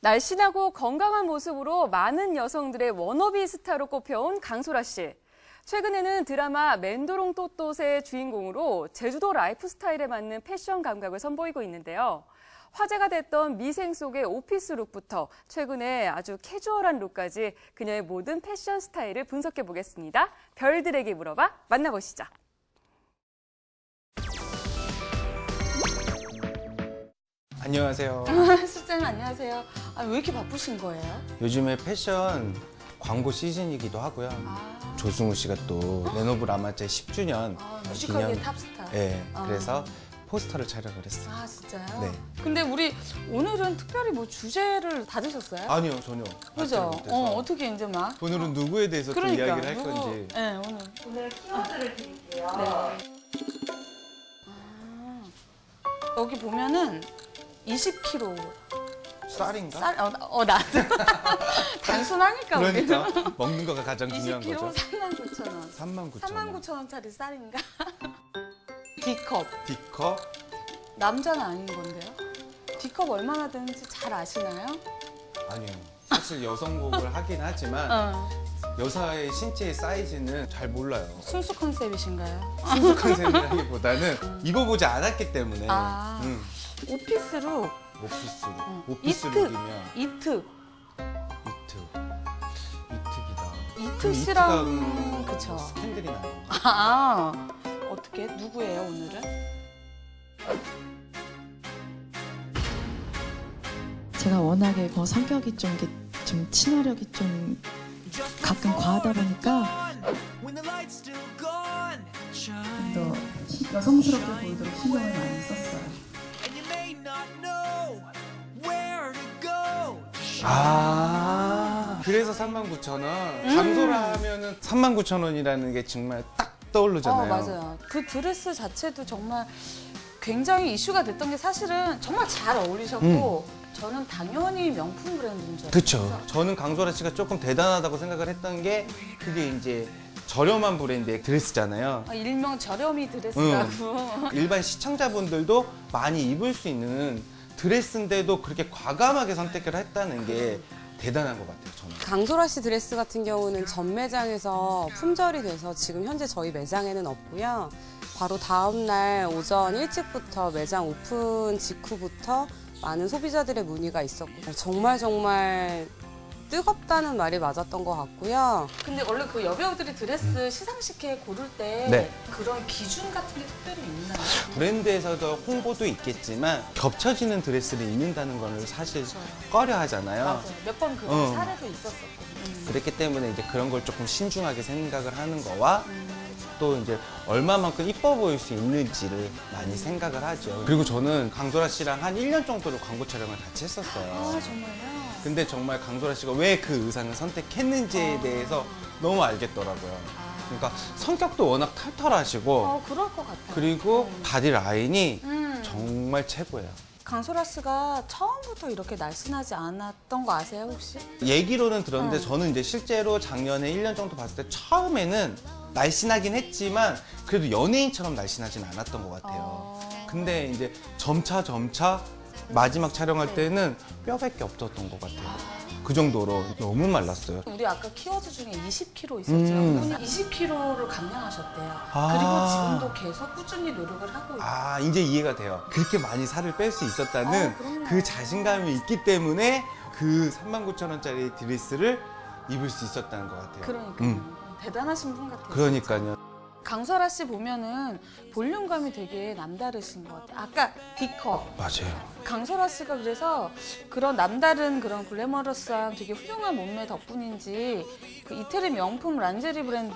날씬하고 건강한 모습으로 많은 여성들의 워너비 스타로 꼽혀온 강소라 씨. 최근에는 드라마 맨도롱 또또의 주인공으로 제주도 라이프 스타일에 맞는 패션 감각을 선보이고 있는데요. 화제가 됐던 미생 속의 오피스 룩부터 최근에 아주 캐주얼한 룩까지 그녀의 모든 패션 스타일을 분석해 보겠습니다. 별들에게 물어봐 만나보시죠. 안녕하세요. 실장님 안녕하세요. 왜 이렇게 바쁘신 거예요? 요즘에 패션 광고 시즌이기도 하고요. 조승우 씨가 또 레노브 라마제 10주년 뮤지컬계 탑스타. 네, 그래서 포스터를 촬영을 했어요. 아, 진짜요? 네. 근데 우리 오늘은 특별히 뭐 주제를 다 드셨어요? 아니요, 전혀. 그죠? 어떻게 이제 막. 오늘은 누구에 대해서 또 이야기를 할 건지. 네, 오늘 키워드를 드릴게요. 네. 여기 보면은 20kg. 쌀인가? 나도. 단순하니까 그러니까 우리는. 먹는 거가 가장 중요한 20kg 거죠. 39,000원. 39,000원. 39,000원짜리 쌀인가? D컵. D컵? 남자는 아닌 건데요? D컵 얼마나 되는지 잘 아시나요? 아니요. 사실 여성복을 하긴 하지만 여자의 신체의 사이즈는 잘 몰라요. 순수 컨셉이신가요? 순수 컨셉이라기보다는 입어보지 않았기 때문에. 오피스룩. 오피스룩. 오피스룩이면 이특. 이특이다. 이특 씨랑 이특하고 그쵸. 스캔들이 나는 거. 어떻게? 누구예요 오늘은? 제가 워낙에 성격이 좀 친화력이 좀 가끔 과하다 보니까 좀 더 여성스럽게 보이도록 신경을 많이 썼어요. 그래서 39,000원. 강소라 하면은 39,000원이라는 게 정말 딱 떠오르잖아요. 맞아요. 그 드레스 자체도 정말 굉장히 이슈가 됐던 게 사실은 정말 잘 어울리셨고 저는 당연히 명품 브랜드인 줄 알았어요. 그렇죠. 저는 강소라 씨가 조금 대단하다고 생각을 했던 게 그게 이제 저렴한 브랜드의 드레스잖아요. 일명 저렴이 드레스라고. 일반 시청자분들도 많이 입을 수 있는 드레스인데도 그렇게 과감하게 선택을 했다는 게 대단한 것 같아요, 저는. 강소라 씨 드레스 같은 경우는 전 매장에서 품절이 돼서 지금 현재 저희 매장에는 없고요. 바로 다음 날 오전 일찍부터 매장 오픈 직후부터 많은 소비자들의 문의가 있었고 정말 뜨겁다는 말이 맞았던 것 같고요. 근데 원래 그 여배우들이 드레스 시상식에 고를 때 네. 그런 기준 같은 게 특별히 있나요? 브랜드에서도 홍보도 있겠지만 겹쳐지는 드레스를 입는다는 걸 사실 꺼려 하잖아요. 맞아요. 몇 번 그런 사례도 있었었고. 그렇기 때문에 이제 그런 걸 조금 신중하게 생각을 하는 거와 또 이제 얼마만큼 이뻐 보일 수 있는지를 많이 생각을 하죠. 그리고 저는 강소라 씨랑 한 1년 정도를 광고 촬영을 같이 했었어요. 정말요? 근데 정말 강소라 씨가 왜 그 의상을 선택했는지에 대해서 너무 알겠더라고요. 그러니까 성격도 워낙 털털하시고 그럴 것 같아요. 그리고 바디 라인이 정말 최고예요. 강소라 씨가 처음부터 이렇게 날씬하지 않았던 거 아세요, 혹시? 얘기로는 들었는데 저는 이제 실제로 작년에 1년 정도 봤을 때 처음에는 날씬하긴 했지만 그래도 연예인처럼 날씬하진 않았던 것 같아요. 근데 이제 점차 마지막 촬영할 때는 뼈밖에 없었던 것 같아요. 그 정도로 너무 말랐어요. 우리 아까 키워드 중에 20kg 있었죠. 그분이 20kg를 감량하셨대요. 그리고 지금도 계속 꾸준히 노력을 하고 있어요. 이제 이해가 돼요. 그렇게 많이 살을 뺄 수 있었다는 그럼요. 그 자신감이 있기 때문에 그 39,000원짜리 드레스를 입을 수 있었다는 것 같아요. 그러니까요. 대단하신 분 같아요. 그러니까요. 강소라 씨 보면은 볼륨감이 되게 남다르신 것 같아요. 아까 D컵. 맞아요. 강소라 씨가 그래서 그런 남다른 그런 글래머러스한 되게 훌륭한 몸매 덕분인지 그 이태리 명품 란제리 브랜드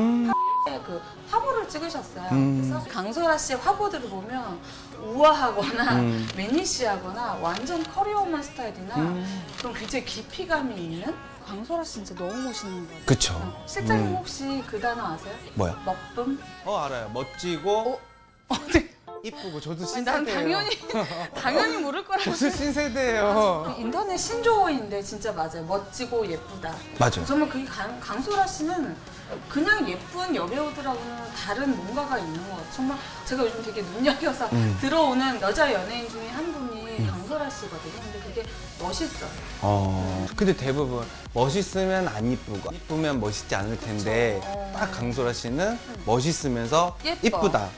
그 화보를 찍으셨어요. 그래서 강소라 씨의 화보들을 보면 우아하거나 매니시하거나 완전 커리어우먼 스타일이나 그런 굉장히 깊이감이 있는 강소라 씨 진짜 너무 멋있는 것 같아요. 그쵸. 실장님 혹시 그 단어 아세요? 뭐야? 멋쁨? 알아요. 멋지고 네. 이쁘고 저도 난 신세대예요. 당연히 모를 거라고. 저도 신세대예요. 인터넷 신조어인데 진짜 맞아요. 멋지고 예쁘다. 맞아요. 정말 그게 강소라 씨는 그냥 예쁜 여배우들하고는 다른 뭔가가 있는 것 같아요. 정말 제가 요즘 되게 눈여겨서 들어오는 여자 연예인 중에 한 분이 강소라 강소라 씨거든요. 근데 그게 멋있어요. 근데 대부분 멋있으면 안 이쁘고 이쁘면 멋있지 않을 텐데 딱 강소라 씨는 멋있으면서 예뻐. 이쁘다.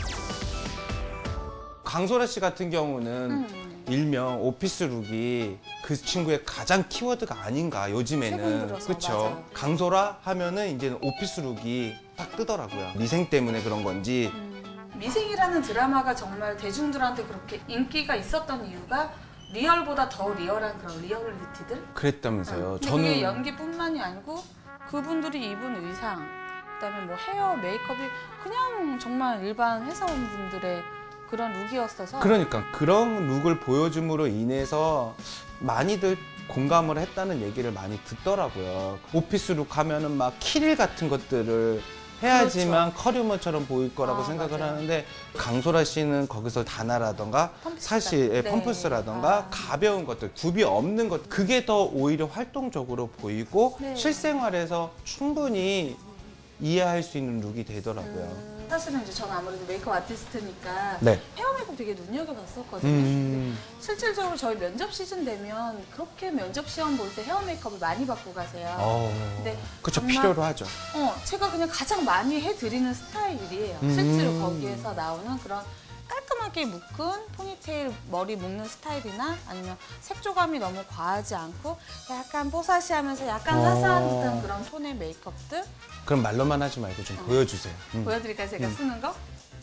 강소라 씨 같은 경우는 일명 오피스 룩이 그 친구의 가장 키워드가 아닌가 최근 요즘에는. 들어서, 그렇죠. 맞아요. 강소라 하면은 이제는 오피스 룩이 딱 뜨더라고요. 미생 때문에 그런 건지. 미생이라는 드라마가 정말 대중들한테 그렇게 인기가 있었던 이유가 리얼보다 더 리얼한 그런 리얼리티들? 그랬다면서요. 근데 그게 연기뿐만이 아니고 그분들이 입은 의상, 그다음에 뭐 헤어, 메이크업이 그냥 정말 일반 회사원분들의 그런 룩이었어서 그러니까 그런 룩을 보여줌으로 인해서 많이들 공감을 했다는 얘기를 많이 듣더라고요. 오피스 룩 하면은 막 키릴 같은 것들을 해야지만 커리어처럼 보일 거라고 생각을 맞아요. 하는데 강소라 씨는 거기서 단화라던가 펌프스 사실 같은- 네. 펌프스라던가 가벼운 것들, 굽이 없는 것, 그게 더 오히려 활동적으로 보이고 네. 실생활에서 충분히 이해할 수 있는 룩이 되더라고요. 사실은 이제 저는 아무래도 메이크업 아티스트니까 네. 헤어 메이크업 되게 눈여겨봤었거든요. 근데 실질적으로 저희 면접 시즌 되면 그렇게 면접 시험 볼 때 헤어 메이크업을 많이 받고 가세요. 근데 그쵸, 정말- 필요로 하죠. 제가 그냥 가장 많이 해드리는 스타일이에요. 실제로 거기에서 나오는 그런 깔끔하게 묶은 포니테일 머리 묶는 스타일이나 아니면 색조감이 너무 과하지 않고 약간 뽀사시하면서 약간 화사한 듯한 그런 톤의 메이크업들 그럼 말로만 하지 말고 좀 보여주세요. 보여드릴까요? 제가 쓰는 거?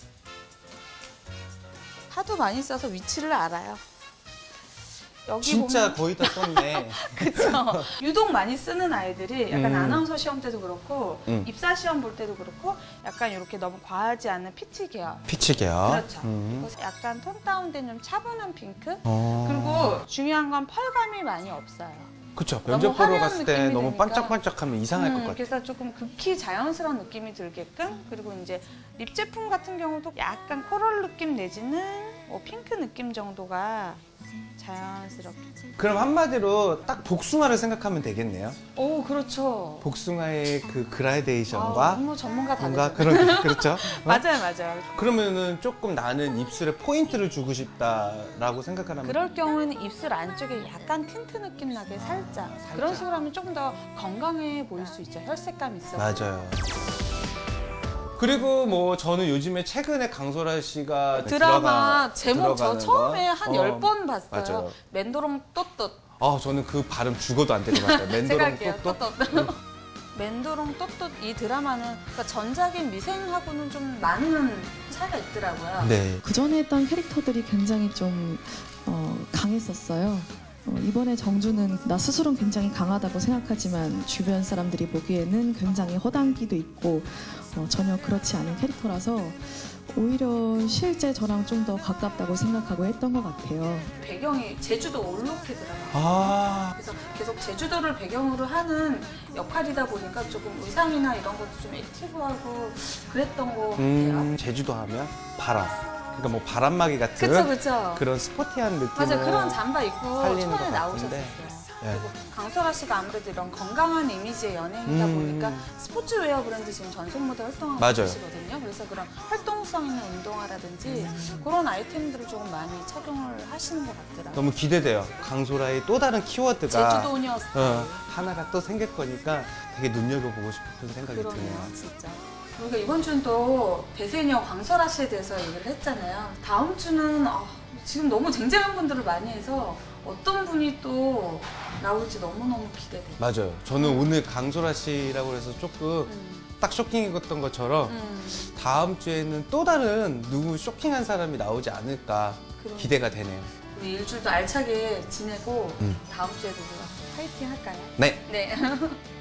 하도 많이 써서 위치를 알아요. 여기 진짜 보면 거의 다 썼네. 그쵸. 유독 많이 쓰는 아이들이 약간 아나운서 시험 때도 그렇고 음. 입사 시험 볼 때도 그렇고 약간 이렇게 너무 과하지 않은 피치 계열. 피치 계열. 그렇죠. 그리고 약간 톤 다운된 좀 차분한 핑크. 어. 그리고 중요한 건 펄감이 많이 없어요. 그쵸. 너무 면접 보러 화려한 갔을 때 느낌이 너무 드니까. 반짝반짝하면 이상할 것 같아요. 그래서 조금 극히 자연스러운 느낌이 들게끔 그리고 이제 립 제품 같은 경우도 약간 코랄 느낌 내지는 뭐 핑크 느낌 정도가 자연스럽게. 그럼 한마디로 딱 복숭아를 생각하면 되겠네요. 오, 그렇죠. 복숭아의 그 그라데이션과 너무 전문가 다 뭔가 되죠. 그런 그렇죠. 맞아요. 그러면은 조금 나는 입술에 포인트를 주고 싶다라고 생각하면 그럴 경우에는 입술 안쪽에 약간 틴트 느낌 나게 살짝. 그런 식으로 하면 조금 더 건강해 보일 수 있죠. 혈색감 있어. 맞아요. 그리고 뭐 저는 요즘에 최근에 강소라 씨가 드라마 제목 저 들어가는 처음에 거. 한 10번 봤어요. 맞아요. 맨도롱 또또. 저는 그 발음 죽어도 안 될 것 같아요. 제가 맨도롱 할게요. 또 또또. 맨도롱 또또 이 드라마는 그러니까 전작인 미생하고는 좀 많은 차이가 있더라고요. 네. 그 전에 했던 캐릭터들이 굉장히 좀 강했었어요. 이번에 정주는 나 스스로는 굉장히 강하다고 생각하지만 주변 사람들이 보기에는 굉장히 허당기도 있고 전혀 그렇지 않은 캐릭터라서 오히려 실제 저랑 좀 더 가깝다고 생각하고 했던 것 같아요. 배경이 제주도 올로케더라고요. 그래서 계속 제주도를 배경으로 하는 역할이다 보니까 조금 의상이나 이런 것도 좀 액티브하고 그랬던 것 같아요. 제주도 하면 바람. 그러니까 뭐 바람막이 같은 그쵸. 그런 스포티한 느낌을 맞아요. 그런 잠바 입고 살리는 초반에 것 나오셨었어요. 같은데. 예. 그리고 강소라 씨가 아무래도 이런 건강한 이미지의 연예인이다 보니까 스포츠웨어 브랜드 지금 전속 모델 활동하고 맞아요. 계시거든요. 그래서 그런 활동성 있는 운동화라든지 그런 아이템들을 조금 많이 착용을 하시는 것 같더라고요. 너무 기대돼요. 강소라의 또 다른 키워드가 제주도녀 스타일. 하나가 또 생길 거니까 되게 눈여겨보고 싶은 생각이 그러네요, 드네요. 진짜. 우리가 이번 주는 또 대세녀 강소라 씨에 대해서 얘기를 했잖아요. 다음 주는 지금 너무 쟁쟁한 분들을 많이 해서 어떤 분이 또 나올지 너무너무 기대돼요. 맞아요. 저는 오늘 강소라 씨라고 해서 조금 딱 쇼킹했던 것처럼 다음 주에는 또 다른 누구 쇼킹한 사람이 나오지 않을까 기대가 되네요. 우리 일주일도 알차게 지내고 다음 주에도 파이팅 할까요? 네. 네.